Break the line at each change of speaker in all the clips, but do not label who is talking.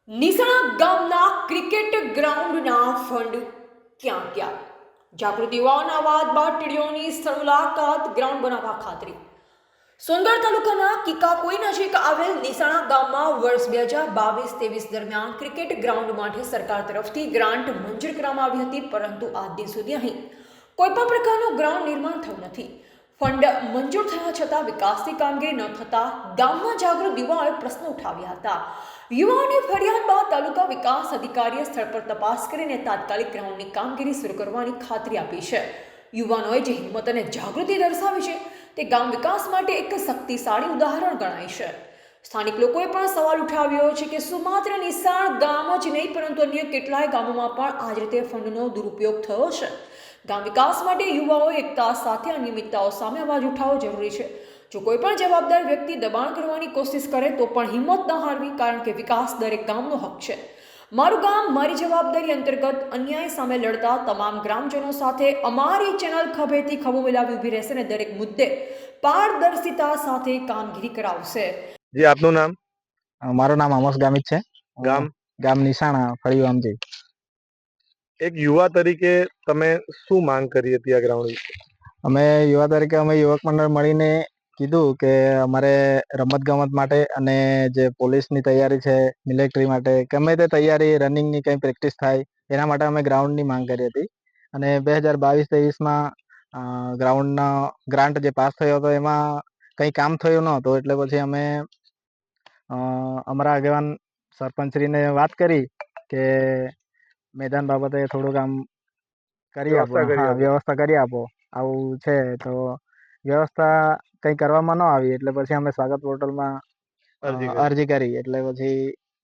નિસણા ગામના cricket ગ્રાઉન્ડના fund ક્યાં ગયા? જાગૃતિ યુવાઓના અવાજ બાદ ટીડીઓની સ્થળ મુલાકાત, ગ્રાઉન્ડ બનાવવા ખાતરી. સોનગઢ તાલુકાના કિકાકોઈ નજીક આવેલ નિસાણા ગામમાં વર્ષ 2022-23 દરમિયાન ક્રિકેટ ગ્રાઉન્ડ માટે સરકાર તરફથી ગ્રાન્ટ મંજૂર કરવામાં આવી હતી, પરંતુ આજ દિન સુધી અહીં કોઈપણ પ્રકારનું ગ્રાઉન્ડ નિર્માણ થયું નથી. ફંડ મંજૂર થયા છતાં વિકાસની કામગીરી ન થતા ગામમાં જાગૃત યુવાઓએ પ્રશ્નો ઉઠાવ્યા હતા. યુવાઓની ફરિયાદ બાદ તાલુકા વિકાસ અધિકારીએ સ્થળ પર તપાસ કરીને તાત્કાલિક ગ્રાઉન્ડની કામગીરી શરૂ કરવાની ખાતરી આપી છે. યુવાનોએ જે હિંમત અને જાગૃતિ દર્શાવી છે તે ગામ વિકાસ માટે એક શક્તિશાળી ઉદાહરણ ગણાય છે. સ્થાનિક લોકોએ પણ સવાલ ઉઠાવ્યો છે કે શું માત્ર નિસાણ ગામ જ નહીં પરંતુ અન્ય કેટલાય ગામોમાં પણ આ જ રીતે ફંડનો દુરુપયોગ થયો છે? ગામ વિકાસ માટે યુવાઓએ એકતા સાથે અનિયમિતતાઓ સામે અવાજ ઉઠાવવો જરૂરી છે. જો કોઈ પણ જવાબદાર વ્યક્તિ દબાણ કરવાની કોશિશ કરે તો પણ હિંમત ન હારવી, કારણ કે વિકાસ દરેક ગામનો હક છે. મારું ગામ મારી જવાબદારી અંતર્ગત અન્યાય સામે લડતા તમામ ગ્રામજનો સાથે અમારી ચેનલ ખભેથી ખભો મિલાવી ઊભી રહેશે અને દરેક મુદ્દે પારદર્શિતા સાથે કામગીરી કરાવશે.
જી, આપનું નામ?
મારું નામ આમોસ ગામિત છે.
ગામ?
ગામ નિશાણા, ફળિયું આમજી.
એક યુવા તરીકે તમે શું માંગ કરી હતી આ ગ્રાઉન્ડ વિશે?
અમે યુવા તરીકે અમે યુવક મંડળ મળીને કીધું કે અમારે રમત ગમત માટે અને જે પોલીસની તૈયારી છે, મિલિટરી માટે, ગમે તે તૈયારી, રનિંગની કંઈ પ્રેક્ટિસ થાય એના માટે અમે ગ્રાઉન્ડની માંગ કરી હતી. અને 2022-23માં ગ્રાઉન્ડનો ગ્રાન્ટ જે પાસ થયો હતો એમાં કંઈ કામ થયું ન હતું, એટલે પછી અમે અમારા આગેવાન સરપંચશ્રીને વાત કરી કે મેદાન બાબતે થોડુંક આમ કરી આપો, વ્યવસ્થા કરી આપો, આવું છે. તો વ્યવસ્થા કંઈ કરવામાં ન આવી એટલે પછી અમે સ્વાગત પોર્ટલમાં અરજી કરી. એટલે પછી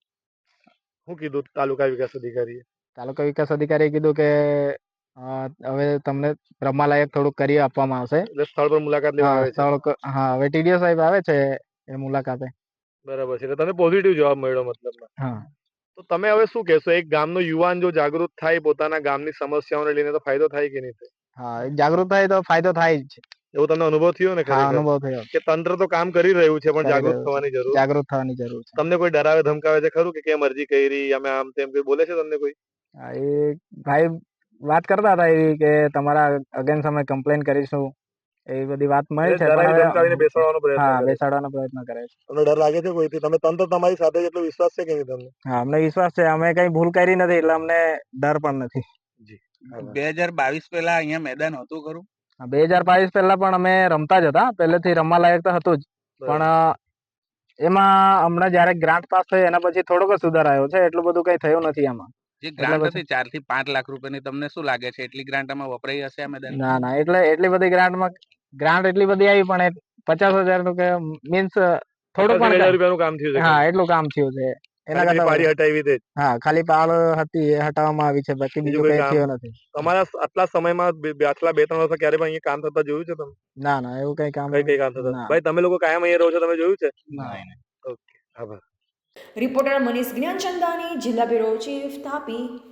શું કીધું તાલુકા વિકાસ અધિકારીએ?
તાલુકા વિકાસ અધિકારીએ કીધું કે હવે તમને રમવાલાયક થોડુંક કરી આપવામાં આવશે.
સ્થળ પર મુલાકાત લેવા આવે છે?
હા, હવે ટીડીઓ સાહેબ આવે છે એ મુલાકાતે.
બરાબર છે. તમે પોઝિટિવ જવાબ મળ્યો મતલબ?
હા.
તો તમે હવે શું કહેશો? એક ગામનો યુવાન જો જાગૃત થાય પોતાના ગામની સમસ્યાઓને લઈને, તો ફાયદો થાય કે નહીં થાય?
હા, જાગૃત થાય તો ફાયદો થાય જ છે.
એવું તમને અનુભવ થયો ને?
હા, અનુભવ થયો
કે તંત્ર તો કામ કરી રહ્યું છે પણ જાગૃત થવાની જરૂર
છે.
તમને કોઈ ડરાવે ધમકાવે છે ખરું કે કેમ અરજી કરી, અમે આમ તેમ કોઈ બોલે છે તમને કોઈ?
હા, એ ભાઈ વાત કરતા હતા એવી કે તમારા અગેન્સ્ટ અમે કમ્પ્લેન કરીશું, એવી બધી વાત મળી છે. બેસાડવાનો પ્રયત્ન કરે છે.
તમને ડર લાગે છે કોઈથી? તમે તંત્ર તમારી સાથે એટલો વિશ્વાસ છે કે નહીં તમને?
હા, અમને વિશ્વાસ છે. અમે કઈ ભૂલ કરી નથી એટલે અમને ડર પણ નથી.
જી.
2022 પહેલા અહીંયા મેદાન હતું ખરું?
2022 પહેલા પણ અમે રમતા જ હતા, પહેલેથી રમવા લાયક તો હતું જ, પણ એમાં હમણાં જયારે ગ્રાન્ટ પાસ થઈ એના પછી થોડોક સુધાર આવ્યો છે. એટલું બધું કઈ થયું નથી આમાં.
જે ગ્રાન્ટ હતી 4 થી 5 લાખ રૂપિયાની, તમને શું લાગે છે એટલી ગ્રાન્ટ આમાં વપરાઈ હશે આ મેદાન?
ના, એટલી બધી ગ્રાન્ટ એટલી બધી આવી પણ 50,000 નું કે મીન્સ થોડું પણ
રૂપિયાનું કામ થયું છે?
હા, એટલું કામ થયું છે. એના કરતા
પાડી હટાવી દે.
હા, ખાલી પાળ હતી એ હટાવવામાં આવી છે, બાકી બીજું કઈ થયું નથી.
તમારા આટલા સમયમાં આટલા 2-3 વર્ષ ક્યારે પણ અહીંયા કામ થતા જોયું છે તમે?
ના, એવું કઈ કામ
થતા. ભાઈ, તમે લોકો કાયમ અહીંયા રહો છો, તમે જોયું છે?
ના.
ઓકે, આભાર.
રિપોર્ટર મનીષ જ્ઞાનચંદાની, જિલ્લા બ્યુરો ચીફ, તાપી.